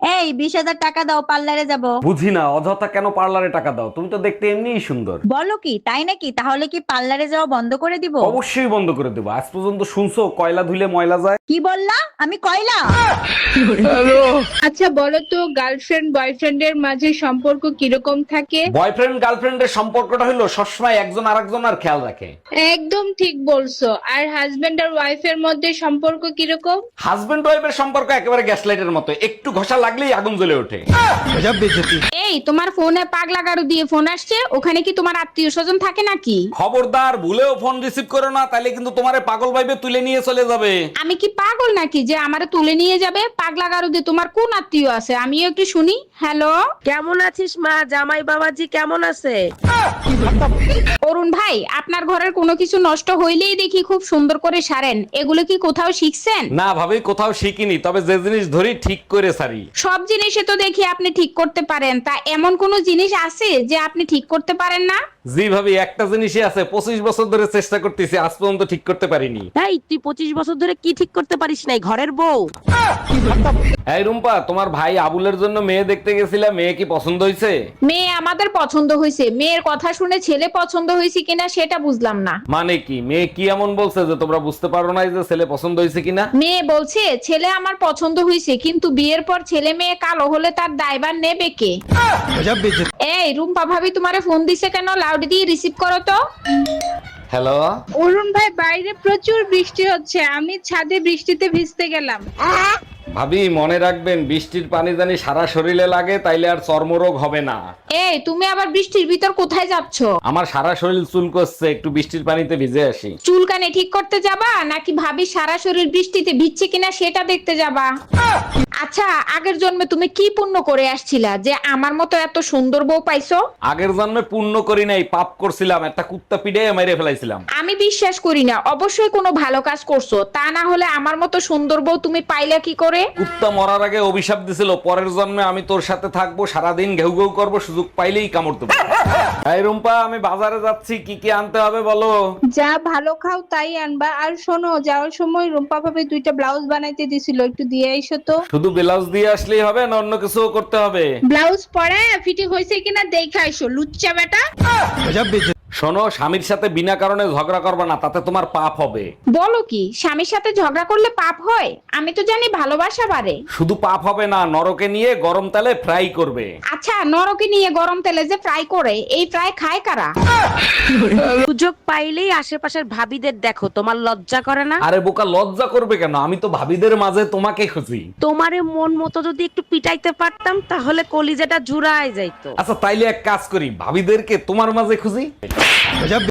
এই 20,000 টাকা দাও, পার্লারে যাব। বুঝি না অযথা কেন পার্লারে টাকা দাও, তুমি তো দেখতে এমনিই সুন্দর। বলো কি, তাই নাকি? তাহলে কি পার্লারে যাওয়া বন্ধ করে দিব? অবশ্যই বন্ধ করে দেবো। আজ পর্যন্ত শুনছো কয়লা ধুলে ময়লা যায়? কি বললা? আমি কয়লা? আচ্ছা বলো তো, গার্লফ্রেন্ড বয়ফ্রেন্ডের মাঝে সম্পর্ক কিরকম থাকে? বয়ফ্রেন্ড গার্লফ্রেন্ডের সম্পর্কটা হলো সবসময় একজন আরেকজনের খেয়াল রাখে। একদম ঠিক বলছো। আর হাজবেন্ড আর ওয়াইফের মধ্যে সম্পর্ক কিরকম? হাজবেন্ড ওয়াইফের সম্পর্ক একেবারে গ্যাস লাইটের মতো, একটু ঘষা লাগলেই আগুন জ্বলে ওঠে। এই তোমার ফোনে পাগলা গাড়ু দিয়ে ফোন আসছে, ওখানে কি তোমার আত্মীয় স্বজন থাকে নাকি? খবরদার, ভুলেও ফোন রিসিভ করো না, তাইলে কিন্তু তোমারে পাগল ভাইবে তুলে নিয়ে চলে যাবে। আমি কি পাগল নাকি যে আমারে তুলে নিয়ে যাবে? পাগলা গাড়ু দিয়ে তোমার কোন আত্মীয় আছে আমিও একটু শুনি। হ্যালো, কেমন আছিস মা? জামাই বাবাজি কেমন আছে? অরুণ ভাই, আপনার ঘরের কোনো কিছু নষ্ট হইলেই দেখি খুব সুন্দর করে সারেন, এগুলো কি কোথাও শিখছেন? না ভাবি, কোথাও শিখিনি, তবে যে জিনিস ধরি ঠিক করে সারি। সব জিনিসে তো দেখি আপনি ঠিক করতে পারেন, তা এমন কোন জিনিস আছে যে আপনি ঠিক করতে পারেন না? জি ভাবি, একটা জিনিসই আছে, 25 বছর ধরে চেষ্টা করতেছি, আজ পর্যন্ত ঠিক করতে পারিনি। এই তুই 25 বছর ধরে কি ঠিক করতে পারিস নাই? ঘরের বউ। এই রুম্পা, তোমার ভাই আবুলের জন্য মেয়ে দেখতে গেছিলাম, মেয়ে কি পছন্দ হয়েছে? মেয়ে আমাদের পছন্দ হয়েছে, মেয়ের কথা শুনে ছেলে পছন্দ হয়েছে কিনা সেটা বুঝলাম না। মানে কি, মেয়ে কি এমন বলছে যে তোমরা বুঝতে পারো না যে ছেলে পছন্দ হয়েছে কিনা? মেয়ে বলছে ছেলে আমার পছন্দ হয়েছে, কিন্তু বিয়ের পর ছেলে মেয়ে কালো হলে তার দায়ভার নেবে কে? এই রুম্পা ভাবি তোমারে ফোন দিছে কেন? লাউড দিয়ে রিসিভ করো তো। হ্যালো। অরুণ ভাই, বাইরে প্রচুর বৃষ্টি হচ্ছে, আমি ছাদে বৃষ্টিতে ভিজতে গেলাম। ভাবি মনে রাখবেন, বৃষ্টির পানি জানি সারা শরীরে লাগে, তাইলে আর চর্মরোগ হবে না। এই তুমি আবার বৃষ্টির ভিতর কোথায় যাচ্ছ? আমার সারা শরীর চুলকোচ্ছে, একটু বৃষ্টির পানিতে ভিজে আসি। চুলকানি ঠিক করতে যাবা নাকি ভাবি সারা শরীর বৃষ্টিতে ভিজছে কিনা সেটা দেখতে যাবা? আচ্ছা, আগের জন্মে তুমি কি পুণ্য করে আসছিলা যে আমার মতো এত সুন্দর বউ পাইছো? আগের জন্মে পুণ্য করি নাই, পাপ করছিলাম, একটা কুত্তা পিড়ে মেরে ফেলাইছিলাম। আমি বিশ্বাস করি না, অবশ্যই কোনো ভালো কাজ করছো, তা না হলে আমার মতো সুন্দর বউ তুমি পাইলা কি করে? কুত্তা মরার আগে অভিশাপ দিছিল, পরের জন্মে আমি তোর সাথে থাকবো, সারাদিন ঘেউ ঘেউ করবো, সুযোগ পাইলেই কামড় দেবো। এই রুম্পা, আমি বাজারে যাচ্ছি, কি কি আনতে হবে বলো? যা ভালো খাও তাই আনবা। আর শোনো, যাওয়ার সময় রুম্পা ভাবে 2টা ব্লাউজ বানাইতে দিছিল, একটু দিয়ে আইসো তো। শুধু ব্লাউজ দিয়ে আসলেই হবে না অন্য কিছু করতে হবে? ব্লাউজ পরে ফিটিং হয়েছে কিনা দেখে আইসো, লুচ্চা বেটা। শোনো, স্বামীর সাথে বিনা কারণে ঝগড়া করবে না, তাতে তোমার পাপ হবে। বলো কি, স্বামীর সাথে ঝগড়া করলে পাপ হয়? আমি তো জানি ভালোবাসা বাড়ে। শুধু পাপ হবে না, নরকে নিয়ে গরম তেলে ফ্রাই করবে। আচ্ছা, নরকে নিয়ে গরম তেলে যে ফ্রাই করে, এই ফ্রাই খায় কারা? সুযোগ পাইলেই আশেপাশের ভাবিদের দেখো, তোমার লজ্জা করে না? আরে বোকা, লজ্জা করবে কেন? আমি তো ভাবিদের মাঝে তোমাকে খুঁজি। তোমারে মন মতো যদি একটু পিটাইতে পারতাম তাহলে কলিজাটা জুড়ায় যাইতো। আচ্ছা তাইলে এক কাজ করি, ভাবিদেরকে তোমার মাঝে খুঁজি।